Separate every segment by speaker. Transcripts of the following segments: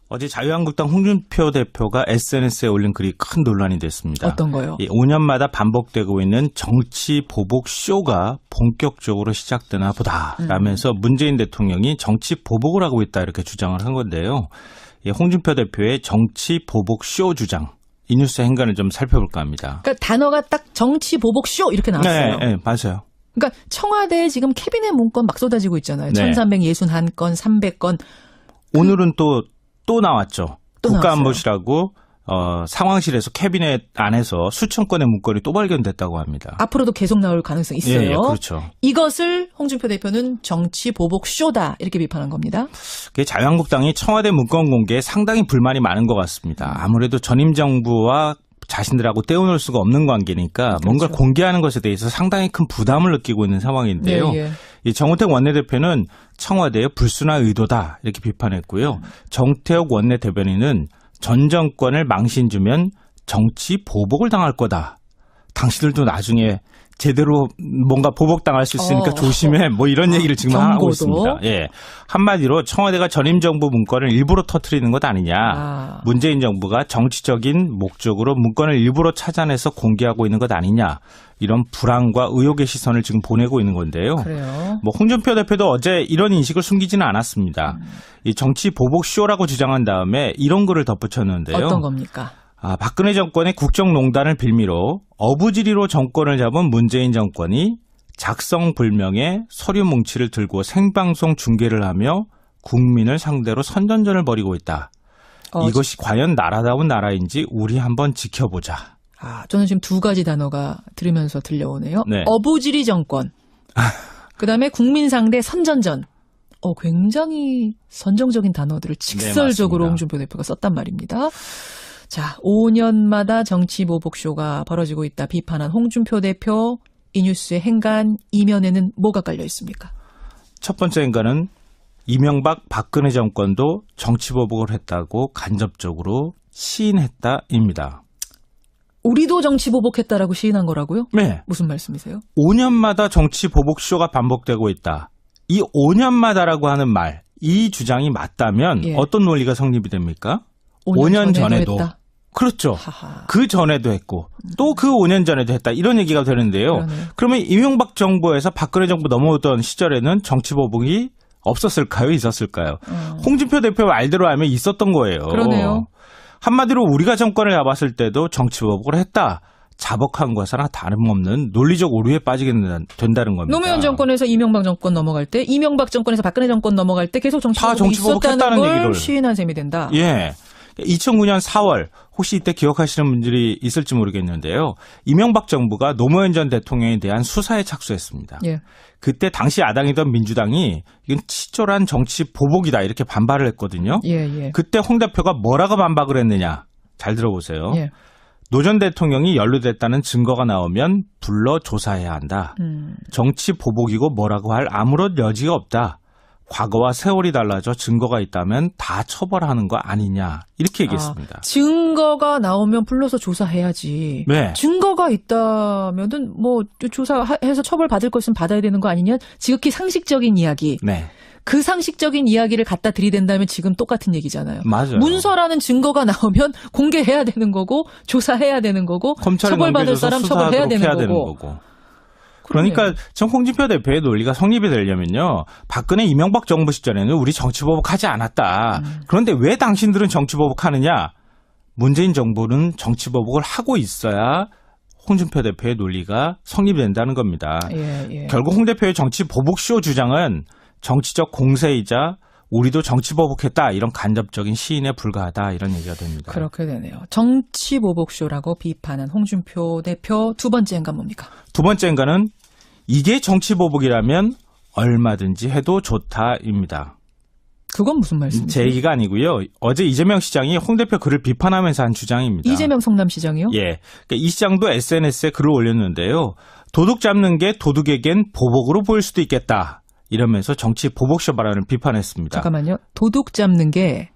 Speaker 1: 어제 자유한국당 홍준표 대표가 SNS에 올린 글이 큰 논란이 됐습니다.
Speaker 2: 어떤 거요?
Speaker 1: 5년마다 반복되고 있는 정치 보복 쇼가 본격적으로 시작되나 보다라면서 문재인 대통령이 정치 보복을 하고 있다 이렇게 주장을 한 건데요. 홍준표 대표의 정치 보복 쇼 주장. 이 뉴스 행간을 좀 살펴볼까 합니다.
Speaker 2: 그러니까 단어가 딱 정치 보복 쇼 이렇게 나왔어요.
Speaker 1: 네, 맞아요.
Speaker 2: 그러니까 청와대에 지금 캐비넷 문건 막 쏟아지고 있잖아요.
Speaker 1: 네.
Speaker 2: 1361건, 300건.
Speaker 1: 오늘은 또 나왔죠.
Speaker 2: 또
Speaker 1: 국가안보실하고 상황실에서 캐비넷 안에서 수천 건의 문건이 또 발견됐다고 합니다.
Speaker 2: 앞으로도 계속 나올 가능성이 있어요.
Speaker 1: 예, 그렇죠.
Speaker 2: 이것을 홍준표 대표는 정치 보복 쇼다 이렇게 비판한 겁니다.
Speaker 1: 자유한국당이 청와대 문건 공개에 상당히 불만이 많은 것 같습니다. 아무래도 전임 정부와 자신들하고 떼어놓을 수가 없는 관계니까
Speaker 2: 그렇죠.
Speaker 1: 뭔가를 공개하는 것에 대해서 상당히 큰 부담을 느끼고 있는 상황인데요.
Speaker 2: 예.
Speaker 1: 이 정우택 원내대표는 청와대의 불순한 의도다 이렇게 비판했고요. 정태욱 원내대변인은 전 정권을 망신 주면 정치 보복을 당할 거다. 당신들도 나중에 제대로 뭔가 보복당할 수 있으니까 조심해. 뭐 이런 얘기를 지금
Speaker 2: 경고도?
Speaker 1: 하고 있습니다. 예. 한마디로 청와대가 전임 정부 문건을 일부러 터뜨리는 것 아니냐. 문재인 정부가 정치적인 목적으로 문건을 일부러 찾아내서 공개하고 있는 것 아니냐. 이런 불안과 의혹의 시선을 지금 보내고 있는 건데요.
Speaker 2: 그래요.
Speaker 1: 홍준표 대표도 어제 이런 인식을 숨기지는 않았습니다. 이 정치 보복 쇼라고 주장한 다음에 이런 글을 덧붙였는데요.
Speaker 2: 어떤 겁니까?
Speaker 1: 박근혜 정권의 국정농단을 빌미로 어부지리로 정권을 잡은 문재인 정권이 작성불명의 서류 뭉치를 들고 생방송 중계를 하며 국민을 상대로 선전전을 벌이고 있다. 이것이 과연 나라다운 나라인지 우리 한번 지켜보자.
Speaker 2: 저는 지금 두 가지 단어가 들으면서 들려오네요.
Speaker 1: 네.
Speaker 2: 어부지리 정권. 그다음에 국민 상대 선전전. 굉장히 선정적인 단어들을 직설적으로
Speaker 1: 네,
Speaker 2: 홍준표 대표가 썼단 말입니다. 자, 5년마다 정치 보복쇼가 벌어지고 있다 비판한 홍준표 대표. 이 뉴스의 행간 이면에는 뭐가 깔려 있습니까?
Speaker 1: 첫 번째 행간은 이명박 박근혜 정권도 정치 보복을 했다고 간접적으로 시인했다입니다.
Speaker 2: 우리도 정치 보복했다라고 시인한 거라고요?
Speaker 1: 네.
Speaker 2: 무슨 말씀이세요? 5년마다
Speaker 1: 정치 보복쇼가 반복되고 있다. 이 5년마다라고 하는 말, 이 주장이 맞다면 어떤 논리가 성립이 됩니까? 5년 전에도 했다. 그렇죠.
Speaker 2: 하하.
Speaker 1: 그 전에도 했고 또 그 5년 전에도 했다. 이런 얘기가 되는데요.
Speaker 2: 그러네요.
Speaker 1: 그러면 이명박 정부에서 박근혜 정부 넘어오던 시절에는 정치 보복이 없었을까요? 있었을까요? 홍준표 대표 말대로 하면 있었던 거예요.
Speaker 2: 그러네요.
Speaker 1: 한마디로 우리가 정권을 잡았을 때도 정치 보복을 했다. 자복한 것은 다름없는 논리적 오류에 빠지게 된다는 겁니다.
Speaker 2: 노무현 정권에서 이명박 정권 넘어갈 때, 이명박 정권에서 박근혜 정권 넘어갈 때 계속 정치 보복이 있었다는 걸 얘기를 시인한 셈이 된다.
Speaker 1: 예. 2009년 4월 혹시 이때 기억하시는 분들이 있을지 모르겠는데요. 이명박 정부가 노무현 전 대통령에 대한 수사에 착수했습니다.
Speaker 2: 예.
Speaker 1: 그때 당시 야당이던 민주당이 이건 치졸한 정치 보복이다 이렇게 반발을 했거든요.
Speaker 2: 예.
Speaker 1: 그때 홍 대표가 뭐라고 반박을 했느냐. 잘 들어보세요.
Speaker 2: 예.
Speaker 1: 노 전 대통령이 연루됐다는 증거가 나오면 불러 조사해야 한다. 정치 보복이고 뭐라고 할 아무런 여지가 없다. 과거와 세월이 달라져 증거가 있다면 다 처벌하는 거 아니냐. 이렇게 얘기했습니다.
Speaker 2: 증거가 나오면 불러서 조사해야지.
Speaker 1: 네.
Speaker 2: 증거가 있다면은 뭐 조사해서 처벌받을 것은 받아야 되는 거 아니냐. 지극히 상식적인 이야기.
Speaker 1: 네.
Speaker 2: 그 상식적인 이야기를 갖다 들이댄다면 지금 똑같은 얘기잖아요.
Speaker 1: 맞아요.
Speaker 2: 문서라는 증거가 나오면 공개해야 되는 거고 조사해야 되는 거고 처벌받을 사람 처벌해야 되는 거고.
Speaker 1: 그러니까 전 홍준표 대표의 논리가 성립이 되려면요. 박근혜 이명박 정부 시절에는 우리 정치보복하지 않았다. 그런데 왜 당신들은 정치보복하느냐. 문재인 정부는 정치보복을 하고 있어야 홍준표 대표의 논리가 성립이 된다는 겁니다.
Speaker 2: 예.
Speaker 1: 결국 홍 대표의 정치보복쇼 주장은 정치적 공세이자 우리도 정치보복했다. 이런 간접적인 시인에 불과하다. 이런 얘기가 됩니다.
Speaker 2: 그렇게 되네요. 정치보복쇼라고 비판한 홍준표 대표 두 번째 행간 뭡니까?
Speaker 1: 두 번째 행간은 이게 정치보복이라면 얼마든지 해도 좋다입니다.
Speaker 2: 그건 무슨 말씀이세요?
Speaker 1: 제 얘기가 아니고요. 어제 이재명 시장이 홍 대표 글을 비판하면서 한 주장입니다.
Speaker 2: 이재명 성남시장이요?
Speaker 1: 예. 그러니까 이 시장도 SNS에 글을 올렸는데요. 도둑 잡는 게 도둑에겐 보복으로 보일 수도 있겠다. 이러면서 정치 보복쇼 발언을 비판했습니다.
Speaker 2: 잠깐만요. 도둑 잡는 게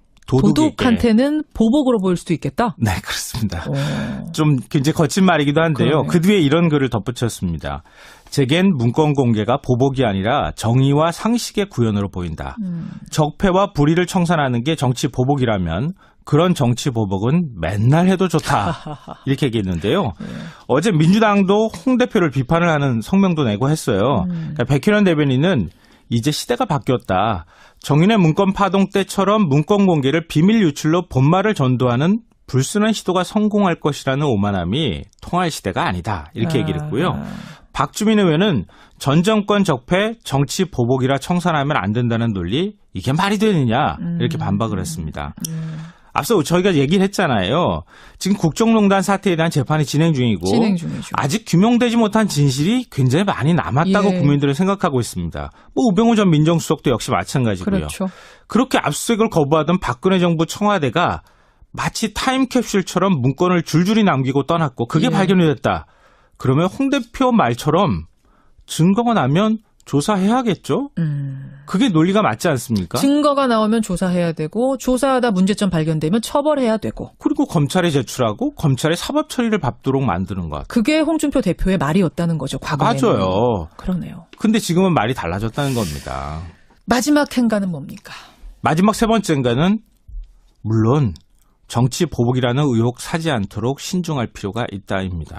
Speaker 2: 도둑한테는 보복으로 보일 수도 있겠다?
Speaker 1: 네, 그렇습니다. 좀 굉장히 거친 말이기도 한데요.
Speaker 2: 그러네요.
Speaker 1: 그 뒤에 이런 글을 덧붙였습니다. 제겐 문건 공개가 보복이 아니라 정의와 상식의 구현으로 보인다. 적폐와 불의를 청산하는 게 정치 보복이라면 그런 정치 보복은 맨날 해도 좋다. 이렇게 얘기했는데요. 어제 민주당도 홍 대표를 비판을 하는 성명도 내고 했어요. 그러니까 백현원 대변인은 이제 시대가 바뀌었다. 정인의 문건 파동 때처럼 문건 공개를 비밀 유출로 본말을 전도하는 불순한 시도가 성공할 것이라는 오만함이 통할 시대가 아니다. 이렇게 얘기를 했고요. 박주민 의원은 전 정권 적폐 정치 보복이라 청산하면 안 된다는 논리 이게 말이 되느냐 이렇게 반박을 했습니다. 앞서 저희가 얘기를 했잖아요. 지금 국정농단 사태에 대한 재판이 진행 중이고 아직 규명되지 못한 진실이 굉장히 많이 남았다고 국민들은 생각하고 있습니다. 뭐 우병우 전 민정수석도 역시 마찬가지고요.
Speaker 2: 그렇죠.
Speaker 1: 그렇게 압수수색을 거부하던 박근혜 정부 청와대가 마치 타임캡슐처럼 문건을 줄줄이 남기고 떠났고 그게 발견이 됐다. 그러면 홍 대표 말처럼 증거가 나면 조사해야겠죠? 그게 논리가 맞지 않습니까?
Speaker 2: 증거가 나오면 조사해야 되고 조사하다 문제점 발견되면 처벌해야 되고
Speaker 1: 그리고 검찰에 제출하고 검찰의 사법 처리를 밟도록 만드는 것.
Speaker 2: 그게 홍준표 대표의 말이었다는 거죠. 과거에는.
Speaker 1: 맞아요.
Speaker 2: 그러네요.
Speaker 1: 근데 지금은 말이 달라졌다는 겁니다.
Speaker 2: 마지막 행가는 뭡니까?
Speaker 1: 마지막 세 번째인가는 물론 정치 보복이라는 의혹 사지 않도록 신중할 필요가 있다입니다.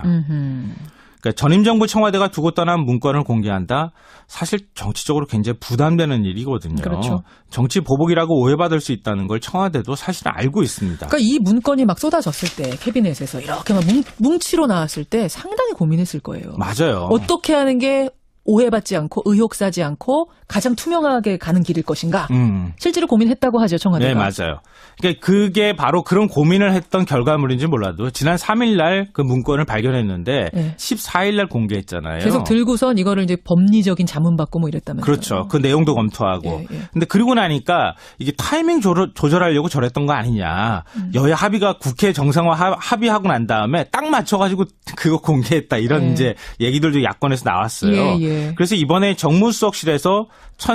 Speaker 1: 그러니까 전임 정부 청와대가 두고 떠난 문건을 공개한다. 사실 정치적으로 굉장히 부담되는 일이거든요.
Speaker 2: 그렇죠.
Speaker 1: 정치 보복이라고 오해받을 수 있다는 걸 청와대도 사실 알고 있습니다.
Speaker 2: 그러니까 이 문건이 막 쏟아졌을 때 캐비넷에서 이렇게 막 뭉치로 나왔을 때 상당히 고민했을 거예요.
Speaker 1: 맞아요.
Speaker 2: 어떻게 하는 게 오해받지 않고 의혹 사지 않고 가장 투명하게 가는 길일 것인가. 실제로 고민했다고 하죠, 청와대가.
Speaker 1: 네, 맞아요. 그러니까 그게 바로 그런 고민을 했던 결과물인지 몰라도 지난 3일 날 그 문건을 발견했는데 14일 날 공개했잖아요.
Speaker 2: 계속 들고선 이거를 이제 법리적인 자문 받고 뭐 이랬다면서요.
Speaker 1: 그렇죠. 그 내용도 검토하고. 근데 그러고 나니까 이게 타이밍 조절하려고 저랬던 거 아니냐. 여야 합의가 국회 정상화 합의하고 난 다음에 딱 맞춰가지고 그거 공개했다. 이런 이제 얘기들도 야권에서 나왔어요. 그래서 이번에 정무수석실에서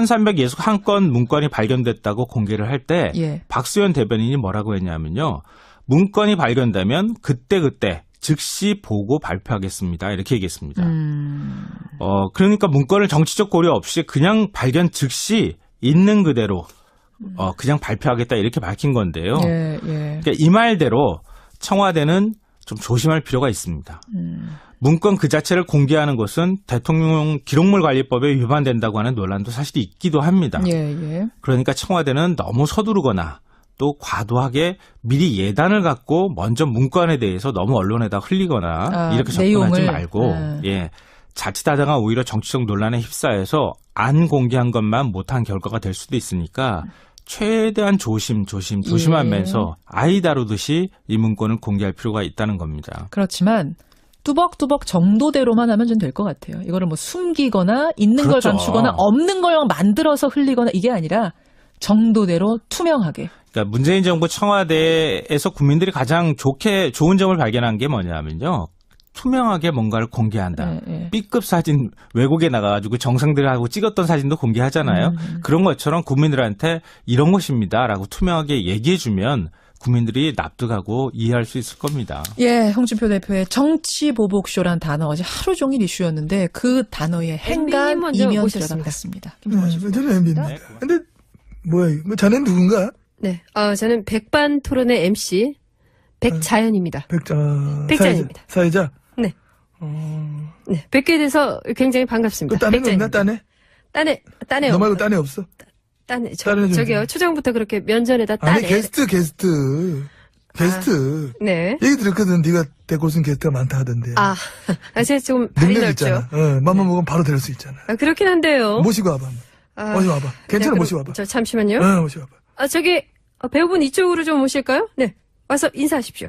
Speaker 1: 1361건 문건이 발견됐다고 공개를 할 때 박수현 대변인이 뭐라고 했냐면요. 문건이 발견되면 그때그때 즉시 보고 발표하겠습니다. 이렇게 얘기했습니다. 그러니까 문건을 정치적 고려 없이 그냥 발견 즉시 있는 그대로 그냥 발표하겠다 이렇게 밝힌 건데요. 그러니까 이 말대로 청와대는 좀 조심할 필요가 있습니다. 문건 그 자체를 공개하는 것은 대통령 기록물 관리법에 위반된다고 하는 논란도 사실 있기도 합니다. 그러니까 청와대는 너무 서두르거나 또 과도하게 미리 예단을 갖고 먼저 문건에 대해서 너무 언론에다 흘리거나 이렇게 접근하지 말고 자칫하다가 오히려 정치적 논란에 휩싸여서 안 공개한 것만 못한 결과가 될 수도 있으니까 최대한 조심하면서 아이 다루듯이 이 문건을 공개할 필요가 있다는 겁니다.
Speaker 2: 그렇지만 뚜벅뚜벅 정도대로만 하면 좀 될 것 같아요. 이거를 뭐 숨기거나 있는 걸 감추거나 없는 걸 만들어서 흘리거나 이게 아니라 정도대로 투명하게.
Speaker 1: 그러니까 문재인 정부 청와대에서 국민들이 가장 좋은 점을 발견한 게 뭐냐면요. 투명하게 뭔가를 공개한다. B급 사진 외국에 나가가지고 정상들하고 찍었던 사진도 공개하잖아요. 그런 것처럼 국민들한테 이런 것입니다라고 투명하게 얘기해주면 국민들이 납득하고 이해할 수 있을 겁니다.
Speaker 2: 홍준표 대표의 정치보복쇼란 단어 어제 하루 종일 이슈였는데 그 단어의 행간 이면 들여다봤습니다.
Speaker 3: 저는 MB입니다. 근데 뭐야, 자네는 누군가?
Speaker 4: 네, 저는 백반토론의 MC 백자연입니다. 백자연입니다.
Speaker 3: 사회자?
Speaker 4: 네. 네, 뵙게 돼서 굉장히 반갑습니다.
Speaker 3: 그 딴애는 없나, 딴애?
Speaker 4: 딴애
Speaker 3: 너 말고 딴애 없어?
Speaker 4: 딴애, 저기요, 초장부터 그렇게 면전에다 딴애.
Speaker 3: 아니, 게스트.
Speaker 4: 네.
Speaker 3: 얘기 들었거든. 네가 데리고 쓴 게스트가 많다 하던데.
Speaker 4: 제가 좀 발이 넓죠.
Speaker 3: 맘만 먹으면 바로 될 수 있잖아.
Speaker 4: 그렇긴 한데요.
Speaker 3: 모시고 와봐. 모시고 와봐. 괜찮아, 모시고 와봐.
Speaker 4: 잠시만요.
Speaker 3: 모시고 와봐.
Speaker 4: 저기, 배우분 이쪽으로 좀 오실까요? 네. 와서 인사하십시오.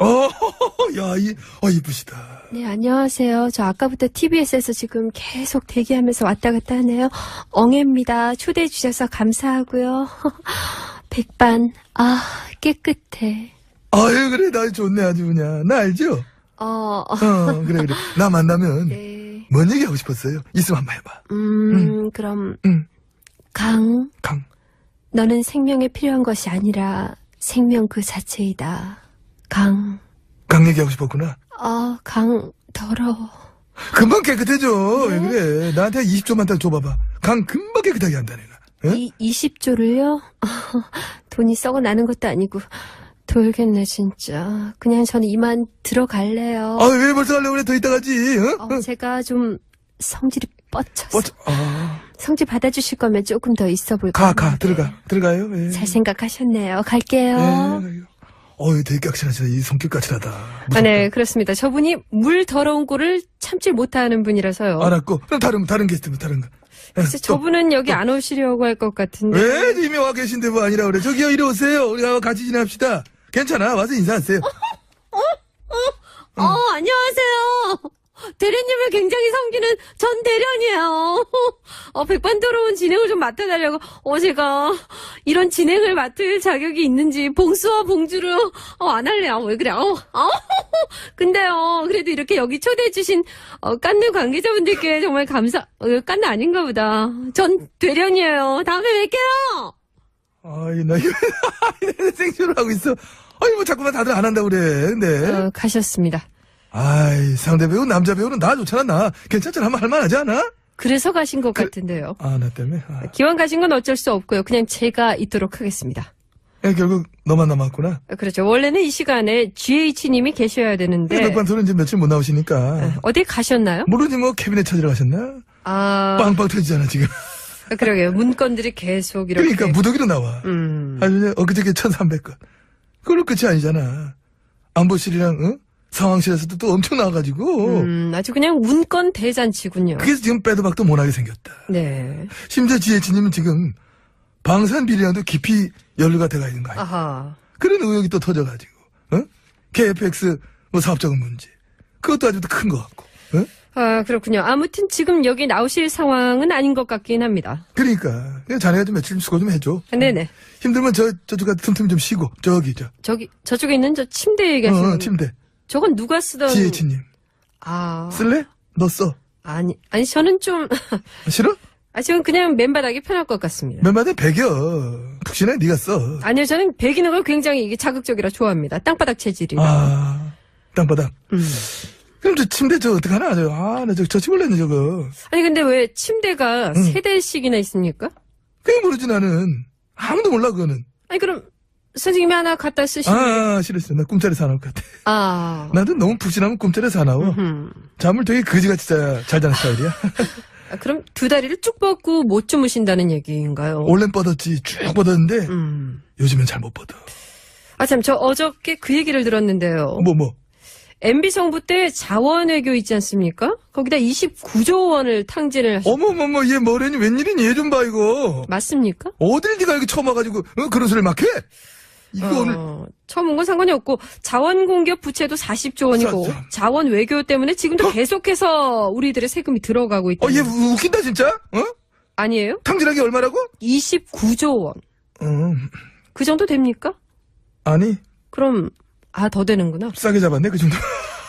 Speaker 3: 이쁘시다.
Speaker 4: 네, 안녕하세요. 저 아까부터 TBS에서 지금 계속 대기하면서 왔다 갔다 하네요. 엉애입니다. 초대해 주셔서 감사하고요. 백반, 깨끗해.
Speaker 3: 그래, 나 좋네, 아주 그냥. 나 알죠? 그래. 나 만나면.
Speaker 4: 네.
Speaker 3: 뭔 얘기 하고 싶었어요? 있으면 한번 해봐.
Speaker 4: 그럼. 강. 너는 생명에 필요한 것이 아니라 생명 그 자체이다. 강
Speaker 3: 얘기하고 싶었구나.
Speaker 4: 강, 더러워.
Speaker 3: 금방 깨끗해져. 왜 그래? 나한테 20조만 딱 줘봐봐. 강 금방 깨끗하게 한다 내가. 응?
Speaker 4: 20조를요? 돈이 썩어 나는 것도 아니고 돌겠네 진짜. 그냥 저는 이만 들어갈래요.
Speaker 3: 아, 왜 벌써 가려고 그래? 더 이따 가지. 응?
Speaker 4: 제가 좀 성질이 뻗쳐서. 성질 받아주실 거면 조금 더 있어 볼까요?
Speaker 3: 들어가요. 예.
Speaker 4: 잘 생각하셨네요. 갈게요.
Speaker 3: 예. 되게 깍실하시다. 이 성격 까칠하다.
Speaker 4: 네, 그렇습니다. 저분이 물 더러운 꼴을 참지 못하는 분이라서요.
Speaker 3: 알았고. 그럼 다른 게스트, 다른 거.
Speaker 4: 글쎄, 저분은 여기 안 오시려고 할 것 같은데.
Speaker 3: 왜? 이미 와 계신데 뭐 아니라 그래. 저기요, 이리 오세요. 우리 같이 지냅시다. 괜찮아. 와서 인사하세요.
Speaker 4: 안녕하세요. 대련님을 굉장히 섬기는 전 대련이에요. 백반토론 진행을 좀 맡아달라고. 제가 이런 진행을 맡을 자격이 있는지 봉수와 봉주를 안 할래요. 왜 그래? 근데요, 그래도 이렇게 여기 초대해주신 깐느 관계자분들께 정말 깐느 아닌가 보다. 전 대련이에요. 다음에 뵐게요.
Speaker 3: 나 이거 생쇼를 하고 있어. 뭐 자꾸만 다들 안 한다고 그래. 근데.
Speaker 4: 가셨습니다.
Speaker 3: 상대 배우, 남자 배우는 나 좋잖아, 나. 괜찮잖아. 한번 할만하지 않아?
Speaker 4: 그래서 가신 것 같은데요.
Speaker 3: 나 때문에?
Speaker 4: 기왕 가신 건 어쩔 수 없고요. 그냥 제가 있도록 하겠습니다.
Speaker 3: 결국 너만 남았구나.
Speaker 4: 그렇죠. 원래는 이 시간에 GH님이 계셔야 되는데.
Speaker 3: 백반토론 이제 며칠 못 나오시니까.
Speaker 4: 어디 가셨나요?
Speaker 3: 모르지 뭐 캐비넷 찾으러 가셨나? 빵빵 터지잖아, 지금.
Speaker 4: 그러게요. 문건들이 계속 이렇게.
Speaker 3: 그러니까 무더기로 나와. 아주 엊그저께 1,300건. 그걸로 끝이 아니잖아. 안보실이랑, 상황실에서도 또 엄청 나와가지고.
Speaker 4: 아주 그냥 문건 대잔치군요.
Speaker 3: 그래서 지금 빼도 박도 못하게 생겼다.
Speaker 4: 네.
Speaker 3: 심지어 GH님은 지금 방산 비리랑도 깊이 연루가 돼가 있는 거 아니야.
Speaker 4: 아하.
Speaker 3: 그런 의혹이 또 터져가지고, KFX 사업적인 문제. 그것도 아주 큰 것 같고,
Speaker 4: 그렇군요. 아무튼 지금 여기 나오실 상황은 아닌 것 같긴 합니다.
Speaker 3: 그러니까 그냥 자네가 좀 며칠 좀 수고 좀 해줘.
Speaker 4: 네네.
Speaker 3: 힘들면 저쪽 가서 틈틈이 좀 쉬고
Speaker 4: 저쪽에 있는 저 침대 얘기하시는.
Speaker 3: 침대.
Speaker 4: 저건 누가 쓰던.
Speaker 3: GH님. 쓸래? 너 써.
Speaker 4: 아니 저는 좀.
Speaker 3: 싫어?
Speaker 4: 저는 그냥 맨바닥이 편할 것 같습니다.
Speaker 3: 맨바닥에 베겨. 푹신해 네가 써.
Speaker 4: 아니요, 저는 베기는 걸 굉장히 이게 자극적이라 좋아합니다. 땅바닥 체질이라.
Speaker 3: 땅바닥. 그럼 저 침대 어떡하나? 나 저 치울래네 저거.
Speaker 4: 아니 근데 왜 침대가 세 대씩이나 있습니까?
Speaker 3: 그게 모르지 나는. 아무도 몰라 그거는.
Speaker 4: 아니 그럼 선생님이 하나 갖다 쓰시면.
Speaker 3: 싫었어. 나 꿈자리 사나울 것 같아. 나도 너무 푹신하면 꿈자리 사나워. 잠을 되게 거지같이 잘 자는 스타일이야.
Speaker 4: 그럼 두 다리를 쭉 뻗고 못 주무신다는 얘기인가요?
Speaker 3: 원래는 뻗었지. 쭉 뻗었는데 요즘엔 잘 못 뻗어.
Speaker 4: 참, 저 어저께 그 얘기를 들었는데요.
Speaker 3: 뭐?
Speaker 4: MB 정부 때 자원외교 있지 않습니까? 거기다 29조 원을 탕진을 하셨.
Speaker 3: 어머머머, 얘 뭐래니? 웬일이니? 얘 좀 봐 이거.
Speaker 4: 맞습니까?
Speaker 3: 어딜 네가 이렇게 처음 와가지고 그런 소리를 막 해? 이거 오늘
Speaker 4: 처음 온 건 상관이 없고 자원 공격 부채도 40조 원이고 자원 외교 때문에 지금도 계속해서 우리들의 세금이 들어가고 있다.
Speaker 3: 얘 웃긴다 진짜?
Speaker 4: 아니에요?
Speaker 3: 탕진하기 얼마라고?
Speaker 4: 29조 원. 그 정도 됩니까?
Speaker 3: 아니.
Speaker 4: 그럼 더 되는구나.
Speaker 3: 싸게 잡았네 그 정도.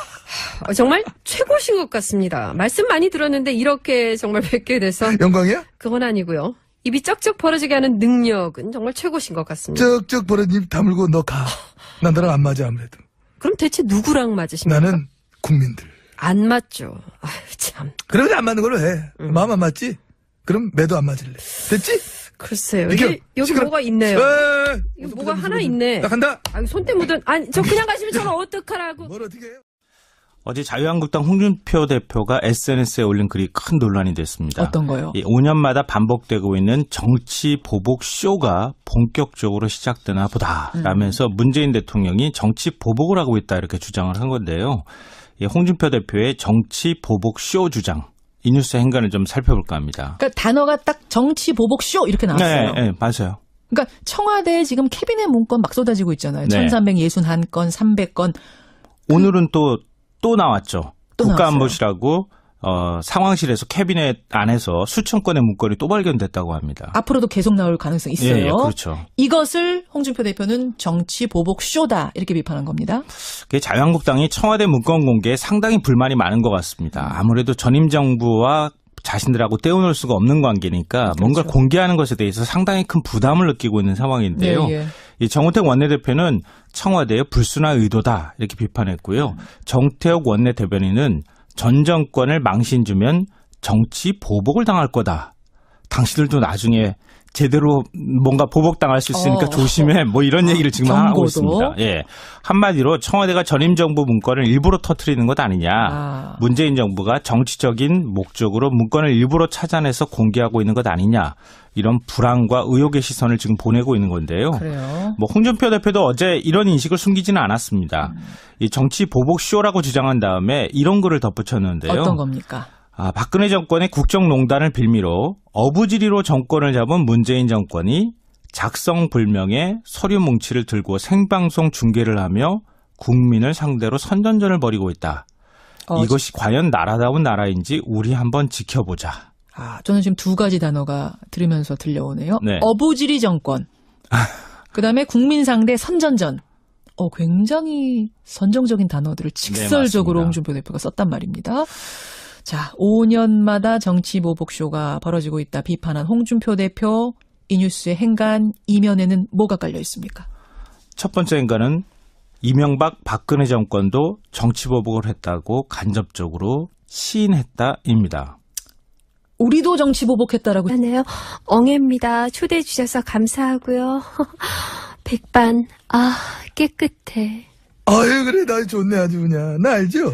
Speaker 4: 정말 최고신 것 같습니다. 말씀 많이 들었는데 이렇게 정말 뵙게 돼서
Speaker 3: 영광이야?
Speaker 4: 그건 아니고요. 입이 쩍쩍 벌어지게 하는 능력은 정말 최고신 것 같습니다.
Speaker 3: 쩍쩍 벌어진 입 다물고 너 가. 난 너랑 안 맞아 아무래도.
Speaker 4: 그럼 대체 누구랑 맞으십니까?
Speaker 3: 나는 국민들.
Speaker 4: 안 맞죠. 참.
Speaker 3: 그러면 안 맞는 걸로 해. 마음 안 맞지? 그럼 매도 안 맞을래. 됐지?
Speaker 4: 글쎄요. 여기 뭐가 있네요. 이거 뭐가 하나 있네.
Speaker 3: 나 간다.
Speaker 4: 손때 묻은. 저 그냥 가시면 저는 어떡하라고.
Speaker 3: 뭘 어떻게 해요?
Speaker 1: 어제 자유한국당 홍준표 대표가 SNS에 올린 글이 큰 논란이 됐습니다.
Speaker 2: 어떤 거요?
Speaker 1: 5년마다 반복되고 있는 정치 보복 쇼가 본격적으로 시작되나 보다라면서 문재인 대통령이 정치 보복을 하고 있다 이렇게 주장을 한 건데요. 홍준표 대표의 정치 보복 쇼 주장. 이 뉴스 행간을 좀 살펴볼까 합니다.
Speaker 2: 그러니까 단어가 딱 정치 보복 쇼 이렇게 나왔어요.
Speaker 1: 네, 맞아요.
Speaker 2: 그러니까 청와대에 지금 캐비넷 문건 막 쏟아지고 있잖아요.
Speaker 1: 네.
Speaker 2: 1361건, 300건.
Speaker 1: 오늘은 또 나왔죠.
Speaker 2: 또
Speaker 1: 국가안보실하고 상황실에서 캐비넷 안에서 수천 건의 문건이 또 발견됐다고 합니다.
Speaker 2: 앞으로도 계속 나올 가능성이 있어요.
Speaker 1: 예, 그렇죠.
Speaker 2: 이것을 홍준표 대표는 정치 보복 쇼다 이렇게 비판한 겁니다.
Speaker 1: 자유한국당이 청와대 문건 공개에 상당히 불만이 많은 것 같습니다. 아무래도 전임 정부와 자신들하고 떼어놓을 수가 없는 관계니까
Speaker 2: 그렇죠.
Speaker 1: 뭔가 공개하는 것에 대해서 상당히 큰 부담을 느끼고 있는 상황인데요.
Speaker 2: 네, 예.
Speaker 1: 이 정우택 원내대표는 청와대의 불순한 의도다 이렇게 비판했고요. 정태욱 원내대변인은 전 정권을 망신 주면 정치 보복을 당할 거다. 당신들도 나중에 제대로 뭔가 보복당할 수 있으니까 조심해. 뭐 이런 얘기를 지금
Speaker 2: 경고도?
Speaker 1: 하고 있습니다. 예. 한마디로 청와대가 전임 정부 문건을 일부러 터뜨리는 것 아니냐. 문재인 정부가 정치적인 목적으로 문건을 일부러 찾아내서 공개하고 있는 것 아니냐. 이런 불안과 의혹의 시선을 지금 보내고 있는 건데요.
Speaker 2: 그래요.
Speaker 1: 뭐 홍준표 대표도 어제 이런 인식을 숨기지는 않았습니다. 이 정치 보복 쇼라고 주장한 다음에 이런 글을 덧붙였는데요.
Speaker 2: 어떤 겁니까?
Speaker 1: 박근혜 정권의 국정농단을 빌미로 어부지리로 정권을 잡은 문재인 정권이 작성불명의 서류 뭉치를 들고 생방송 중계를 하며 국민을 상대로 선전전을 벌이고 있다. 이것이 과연 나라다운 나라인지 우리 한번 지켜보자.
Speaker 2: 저는 지금 두 가지 단어가 들으면서 들려오네요.
Speaker 1: 네.
Speaker 2: 어부지리 정권. 그다음에 국민 상대 선전전. 굉장히 선정적인 단어들을 직설적으로
Speaker 1: 맞습니다.
Speaker 2: 홍준표 대표가 썼단 말입니다. 자, 5년마다 정치 보복쇼가 벌어지고 있다 비판한 홍준표 대표. 이 뉴스의 행간 이면에는 뭐가 깔려 있습니까?
Speaker 1: 첫 번째 행간은 이명박 박근혜 정권도 정치 보복을 했다고 간접적으로 시인했다입니다.
Speaker 2: 우리도 정치 보복했다라고.
Speaker 4: 하네요. 엉애입니다. 초대해 주셔서 감사하고요. 백반, 깨끗해.
Speaker 3: 아유, 그래, 나 좋네, 아주 그냥. 나 알죠?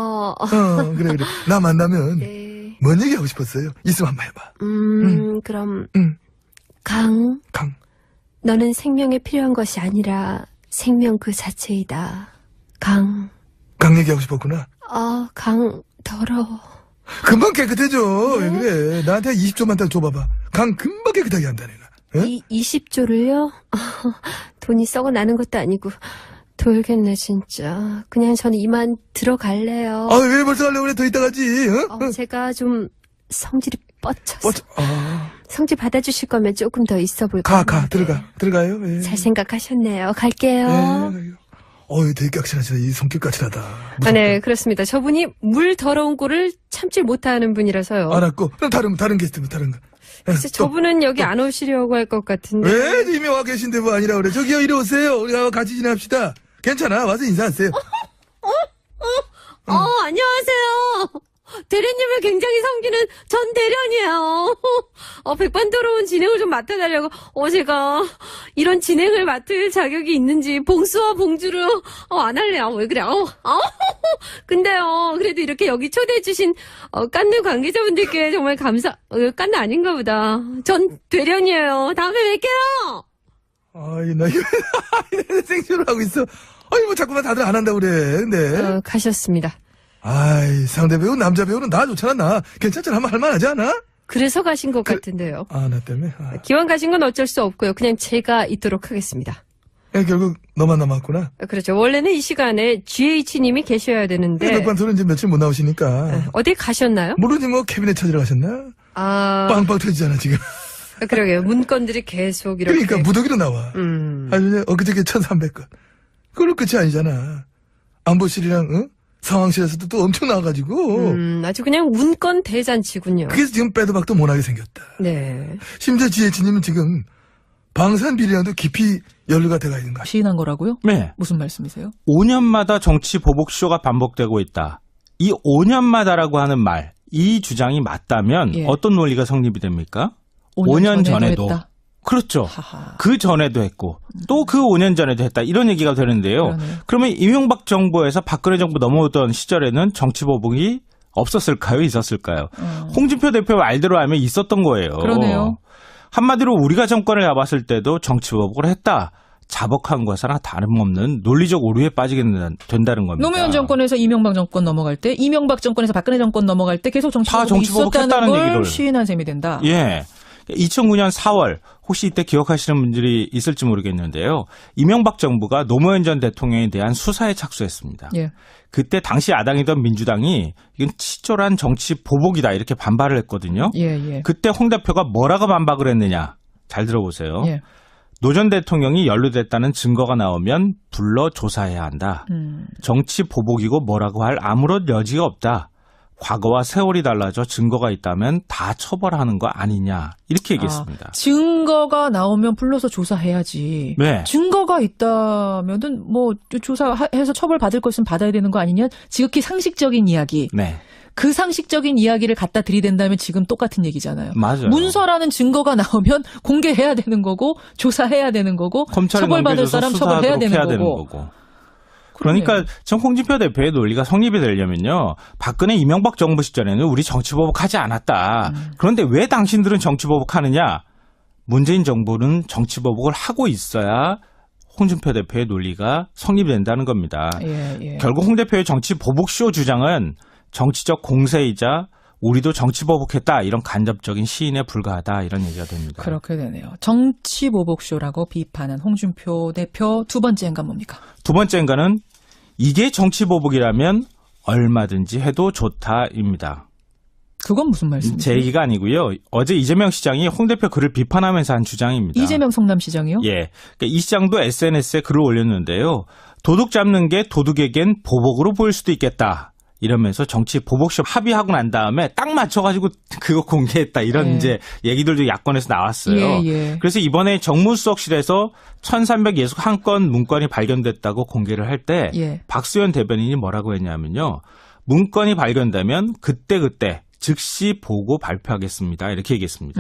Speaker 3: 그래. 나 만나면,
Speaker 4: 네.
Speaker 3: 뭔 얘기 하고 싶었어요? 있으면 한번 해봐.
Speaker 4: 그럼,
Speaker 3: 응.
Speaker 4: 강,
Speaker 3: 너는
Speaker 4: 생명에 필요한 것이 아니라 생명 그 자체이다. 강,
Speaker 3: 얘기하고 싶었구나.
Speaker 4: 강, 더러워.
Speaker 3: 금방 깨끗해져. 왜 그래? 나한테 20조만 더 줘봐봐. 금방 깨끗하게 한다, 내가. 응?
Speaker 4: 20조를요? 돈이 썩어 나는 것도 아니고, 돌겠네, 진짜. 그냥 저는 이만 들어갈래요.
Speaker 3: 왜 벌써 가려고 그래? 더 이따 가지, 응?
Speaker 4: 제가 좀 성질이 뻗쳐서. 성질 받아주실 거면 조금 더 있어 볼까요?
Speaker 3: 들어가요. 예.
Speaker 4: 잘 생각하셨네요. 갈게요.
Speaker 3: 되게 까칠하시다. 이 성격 까칠하다.
Speaker 4: 네, 그렇습니다. 저분이 물 더러운 꼴을 참지 못하는 분이라서요.
Speaker 3: 알았고. 그럼 다른 게스트, 다른 거.
Speaker 4: 글쎄, 저분은 여기 안 오시려고 할 것 같은데.
Speaker 3: 왜? 이미 와 계신데 뭐 아니라 그래. 저기요, 이리 오세요. 우리가 같이 지냅시다. 괜찮아. 와서 인사하세요.
Speaker 4: 안녕하세요. 대리님을 굉장히 섬기는 전 대련이에요. 백반토론 진행을 좀 맡아달라고. 제가 이런 진행을 맡을 자격이 있는지 봉수와 봉주를 안 할래요. 왜 그래? 근데요, 그래도 이렇게 여기 초대해주신 깐느 관계자분들께 정말 깐느 아닌가 보다. 전 대련이에요. 다음에 뵐게요.
Speaker 3: 나 이거 생쇼를 하고 있어. 뭐 자꾸만 다들 안 한다고 그래. 근데.
Speaker 4: 가셨습니다.
Speaker 3: 상대 배우, 남자 배우는 나 좋잖아, 나. 괜찮잖아. 한번 할만하지 않아?
Speaker 4: 그래서 가신 것 같은데요.
Speaker 3: 나 때문에?
Speaker 4: 기왕 가신 건 어쩔 수 없고요. 그냥 제가 있도록 하겠습니다.
Speaker 3: 결국 너만 남았구나.
Speaker 4: 그렇죠. 원래는 이 시간에 GH님이 계셔야 되는데.
Speaker 3: 백반토론 이제 며칠 못 나오시니까.
Speaker 4: 어디 가셨나요?
Speaker 3: 모르지 뭐 캐비넷 찾으러 가셨나? 빵빵 터지잖아, 지금.
Speaker 4: 그러게요. 문건들이 계속 이렇게.
Speaker 3: 그러니까 무더기로 나와. 아주 엊그저께 1,300건. 그걸로 끝이 아니잖아. 안보실이랑, 상황실에서도 또 엄청 나와가지고.
Speaker 4: 아주 그냥 문건 대잔치군요.
Speaker 3: 그래서 지금 빼도 박도 못하게 생겼다.
Speaker 4: 네.
Speaker 3: 심지어 GH님은 지금 방산 비리랑도 깊이 연루가 돼가 있는 거야.
Speaker 2: 시인한 거라고요?
Speaker 1: 네.
Speaker 2: 무슨 말씀이세요?
Speaker 1: 5년마다 정치 보복쇼가 반복되고 있다. 이 5년마다라고 하는 말, 이 주장이 맞다면 어떤 논리가 성립이 됩니까? 5년 전에도. 했다. 그렇죠. 그 전에도 했고 또 그 5년 전에도 했다. 이런 얘기가 되는데요. 그러면 이명박 정부에서 박근혜 정부 넘어오던 시절에는 정치 보복이 없었을까요? 있었을까요? 홍준표 대표 말대로 하면 있었던 거예요.
Speaker 2: 그러네요.
Speaker 1: 한마디로 우리가 정권을 잡았을 때도 정치 보복을 했다. 자복한 것이나 다름없는 논리적 오류에 빠지게 된다는 겁니다.
Speaker 2: 노무현 정권에서 이명박 정권 넘어갈 때, 이명박 정권에서 박근혜 정권 넘어갈 때 계속 정치 보복이
Speaker 1: 있었다는
Speaker 2: 있었다는 걸
Speaker 1: 얘기를
Speaker 2: 시인한 셈이 된다.
Speaker 1: 예. 2009년 4월 혹시 이때 기억하시는 분들이 있을지 모르겠는데요. 이명박 정부가 노무현 전 대통령에 대한 수사에 착수했습니다. 그때 당시 야당이던 민주당이 이건 치졸한 정치 보복이다 이렇게 반발을 했거든요. 그때 홍 대표가 뭐라고 반박을 했느냐. 잘 들어보세요. 노 전 대통령이 연루됐다는 증거가 나오면 불러 조사해야 한다. 정치 보복이고 뭐라고 할 아무런 여지가 없다. 과거와 세월이 달라져 증거가 있다면 다 처벌하는 거 아니냐 이렇게 얘기했습니다.
Speaker 2: 증거가 나오면 불러서 조사해야지.
Speaker 1: 네.
Speaker 2: 증거가 있다면은 뭐 조사해서 처벌 받을 것은 받아야 되는 거 아니냐? 지극히 상식적인 이야기.
Speaker 1: 네.
Speaker 2: 그 상식적인 이야기를 갖다 들이댄다면 지금 똑같은 얘기잖아요.
Speaker 1: 맞아요.
Speaker 2: 문서라는 증거가 나오면 공개해야 되는 거고 조사해야 되는 거고
Speaker 1: 검찰에
Speaker 2: 처벌받을
Speaker 1: 넘겨줘서
Speaker 2: 사람 처벌해야
Speaker 1: 수사하도록
Speaker 2: 되는
Speaker 1: 해야
Speaker 2: 거고.
Speaker 1: 되는 거고. 그러니까 전 홍준표 대표의 논리가 성립이 되려면요. 박근혜 이명박 정부 시절에는 우리 정치보복하지 않았다. 그런데 왜 당신들은 정치보복하느냐. 문재인 정부는 정치보복을 하고 있어야 홍준표 대표의 논리가 성립이 된다는 겁니다.
Speaker 2: 예.
Speaker 1: 결국 홍 대표의 정치보복쇼 주장은 정치적 공세이자 우리도 정치보복했다. 이런 간접적인 시인에 불과하다. 이런 얘기가 됩니다.
Speaker 2: 그렇게 되네요. 정치보복쇼라고 비판한 홍준표 대표 두 번째 행간 뭡니까?
Speaker 1: 두 번째 행간은 이게 정치보복이라면 얼마든지 해도 좋다입니다.
Speaker 2: 그건 무슨 말씀이세요?
Speaker 1: 제 얘기가 아니고요. 어제 이재명 시장이 홍 대표 글을 비판하면서 한 주장입니다.
Speaker 2: 이재명 성남시장이요?
Speaker 1: 예. 그러니까 이 시장도 SNS에 글을 올렸는데요. 도둑 잡는 게 도둑에겐 보복으로 보일 수도 있겠다. 이러면서 정치 보복쇼 합의하고 난 다음에 딱 맞춰가지고 그거 공개했다. 이런
Speaker 2: 예.
Speaker 1: 이제 얘기들도 야권에서 나왔어요.
Speaker 2: 예.
Speaker 1: 그래서 이번에 정무수석실에서 1361건 문건이 발견됐다고 공개를 할 때
Speaker 2: 예.
Speaker 1: 박수현 대변인이 뭐라고 했냐면요. 문건이 발견되면 그때그때 즉시 보고 발표하겠습니다. 이렇게 얘기했습니다.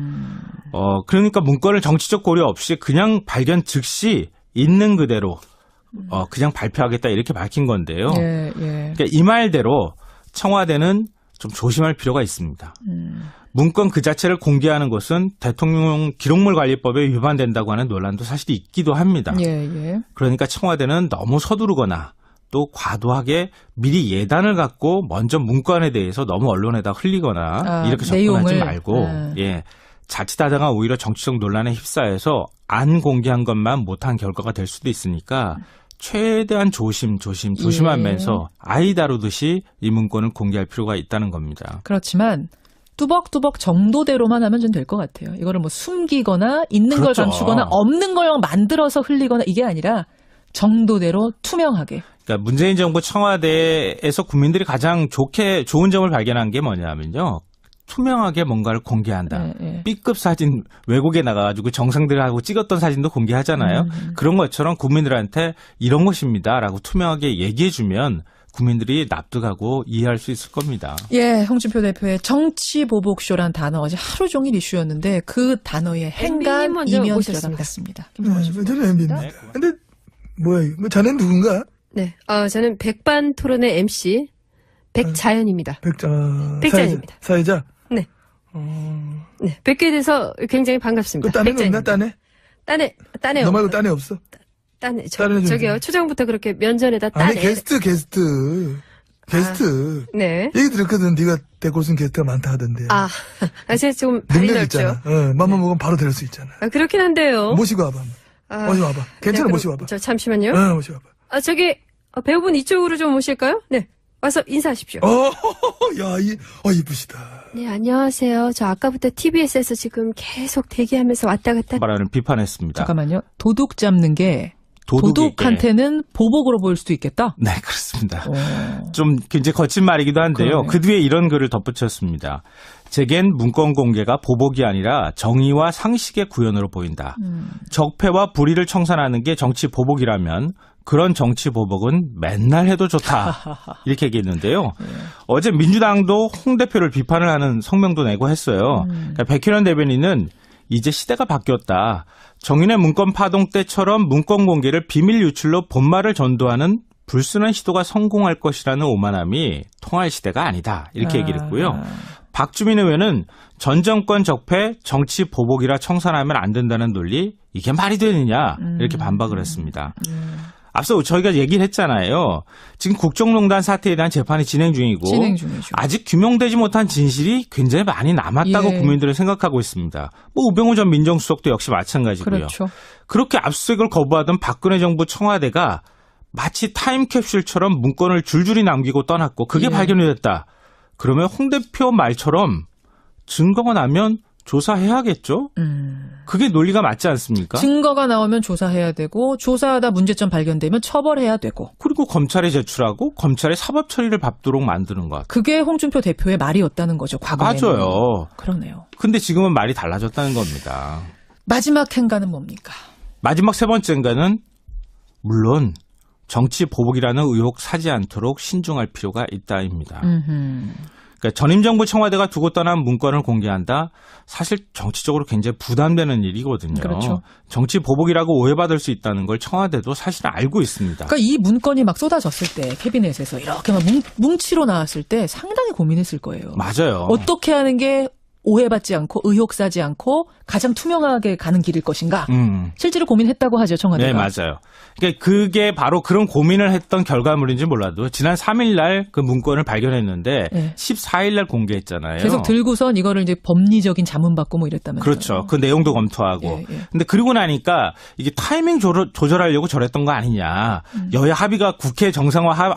Speaker 1: 그러니까 문건을 정치적 고려 없이 그냥 발견 즉시 있는 그대로 그냥 발표하겠다 이렇게 밝힌 건데요.
Speaker 2: 예.
Speaker 1: 그러니까 이 말대로 청와대는 좀 조심할 필요가 있습니다. 문건 그 자체를 공개하는 것은 대통령 기록물관리법에 위반된다고 하는 논란도 사실 있기도 합니다.
Speaker 2: 예.
Speaker 1: 그러니까 청와대는 너무 서두르거나 또 과도하게 미리 예단을 갖고 먼저 문건에 대해서 너무 언론에다 흘리거나 이렇게 접근하지
Speaker 2: 내용을.
Speaker 1: 말고 자칫하다가 오히려 정치적 논란에 휩싸여서 안 공개한 것만 못한 결과가 될 수도 있으니까 최대한 조심하면서 아이 다루듯이 이 문건을 공개할 필요가 있다는 겁니다.
Speaker 2: 그렇지만 뚜벅뚜벅 정도대로만 하면 좀 될 것 같아요. 이거를 뭐 숨기거나 있는 걸
Speaker 1: 그렇죠.
Speaker 2: 감추거나 없는 걸 만들어서 흘리거나 이게 아니라 정도대로 투명하게.
Speaker 1: 그러니까 문재인 정부 청와대에서 국민들이 가장 좋은 점을 발견한 게 뭐냐면요. 투명하게 뭔가를 공개한다. B급 사진 외국에 나가가지고 정상들하고 찍었던 사진도 공개하잖아요. 그런 것처럼 국민들한테 이런 것입니다라고 투명하게 얘기해주면 국민들이 납득하고 이해할 수 있을 겁니다.
Speaker 2: 예, 홍준표 대표의 정치보복쇼란 단어 어제 하루 종일 이슈였는데 그 단어의 행간
Speaker 4: 먼저
Speaker 2: 이면
Speaker 4: 오셨습니다.
Speaker 2: 들어봤습니다.
Speaker 3: 저는 MB입니다. 근데 뭐야, 뭐 자네는 누군가?
Speaker 4: 네, 저는 백반 토론의 MC 백자연입니다. 백자연입니다.
Speaker 3: 사회자?
Speaker 4: 네. 네, 뵙게 돼서 굉장히 반갑습니다.
Speaker 3: 그 딴애는 없나, 딴애?
Speaker 4: 딴애
Speaker 3: 너 말고 딴애 없어?
Speaker 4: 딴애
Speaker 3: 딴애
Speaker 4: 저기요 초장부터 그렇게 면전에다 딴애.
Speaker 3: 아니, 게스트.
Speaker 4: 네.
Speaker 3: 얘기 들었거든. 네가 데리고 쓴 게스트가 많다 하던데.
Speaker 4: 제가 좀 발이
Speaker 3: 능력
Speaker 4: 넓죠.
Speaker 3: 있잖아. 맘만 먹으면 바로 데릴 수 있잖아.
Speaker 4: 그렇긴 한데요.
Speaker 3: 모시고 와봐. 모시고 와봐. 괜찮아,
Speaker 4: 네,
Speaker 3: 모시고 와봐.
Speaker 4: 저 잠시만요.
Speaker 3: 모시고 와봐.
Speaker 4: 저기 배우분 이쪽으로 좀 오실까요? 네. 와서 인사하십시오.
Speaker 3: 이쁘시다.
Speaker 4: 네, 안녕하세요. 저 아까부터 TBS에서 지금 계속 대기하면서 왔다 갔다.
Speaker 1: 말하는 비판했습니다.
Speaker 2: 잠깐만요. 도둑 잡는 게
Speaker 1: 도둑에게.
Speaker 2: 도둑한테는 보복으로 보일 수도 있겠다?
Speaker 1: 네, 그렇습니다. 좀 굉장히 거친 말이기도 한데요.
Speaker 2: 그러네요.
Speaker 1: 그 뒤에 이런 글을 덧붙였습니다. 제겐 문건 공개가 보복이 아니라 정의와 상식의 구현으로 보인다. 적폐와 불의를 청산하는 게 정치 보복이라면 그런 정치 보복은 맨날 해도 좋다. 이렇게 얘기했는데요. 어제 민주당도 홍 대표를 비판을 하는 성명도 내고 했어요. 그러니까 백현원 대변인은 이제 시대가 바뀌었다. 정윤의 문건 파동 때처럼 문건 공개를 비밀 유출로 본말을 전도하는 불순한 시도가 성공할 것이라는 오만함이 통할 시대가 아니다. 이렇게 얘기를 했고요. 박주민 의원은 전 정권 적폐 정치 보복이라 청산하면 안 된다는 논리 이게 말이 되느냐 이렇게 반박을 했습니다. 앞서 저희가 얘기를 했잖아요. 지금 국정농단 사태에 대한 재판이 진행 중이고 아직 규명되지 못한 진실이 굉장히 많이 남았다고 국민들은 생각하고 있습니다. 뭐 우병우 전 민정수석도 역시 마찬가지고요.
Speaker 2: 그렇죠.
Speaker 1: 그렇게 압수수색을 거부하던 박근혜 정부 청와대가 마치 타임캡슐처럼 문건을 줄줄이 남기고 떠났고 그게 발견이 됐다. 그러면 홍 대표 말처럼 증거가 나면 조사해야겠죠? 그게 논리가 맞지 않습니까?
Speaker 2: 증거가 나오면 조사해야 되고 조사하다 문제점 발견되면 처벌해야 되고
Speaker 1: 그리고 검찰에 제출하고 검찰의 사법 처리를 밟도록 만드는 것.
Speaker 2: 그게 홍준표 대표의 말이었다는 거죠. 과거에는.
Speaker 1: 맞아요.
Speaker 2: 그러네요.
Speaker 1: 근데 지금은 말이 달라졌다는 겁니다.
Speaker 2: 마지막 행간은 뭡니까?
Speaker 1: 마지막 세 번째인가는 물론 정치 보복이라는 의혹 사지 않도록 신중할 필요가 있다입니다.
Speaker 2: 음흠.
Speaker 1: 그러니까 전임 정부 청와대가 두고 떠난 문건을 공개한다. 사실 정치적으로 굉장히 부담되는 일이거든요.
Speaker 2: 그렇죠.
Speaker 1: 정치 보복이라고 오해받을 수 있다는 걸 청와대도 사실 알고 있습니다.
Speaker 2: 그러니까 이 문건이 막 쏟아졌을 때 캐비넷에서 이렇게 막 뭉치로 나왔을 때 상당히 고민했을 거예요.
Speaker 1: 맞아요.
Speaker 2: 어떻게 하는 게 오해받지 않고 의혹 사지 않고 가장 투명하게 가는 길일 것인가. 실제로 고민했다고 하죠, 청와대가.
Speaker 1: 네, 맞아요. 그러니까 그게 바로 그런 고민을 했던 결과물인지 몰라도 지난 3일 날 그 문건을 발견했는데
Speaker 2: 네.
Speaker 1: 14일 날 공개했잖아요.
Speaker 2: 계속 들고선 이거를 이제 법리적인 자문받고 뭐 이랬다면서요.
Speaker 1: 그렇죠. 그 내용도 검토하고.
Speaker 2: 예, 예.
Speaker 1: 근데 그리고 나니까 이게 타이밍 조절하려고 저랬던 거 아니냐. 여야 합의가 국회 정상화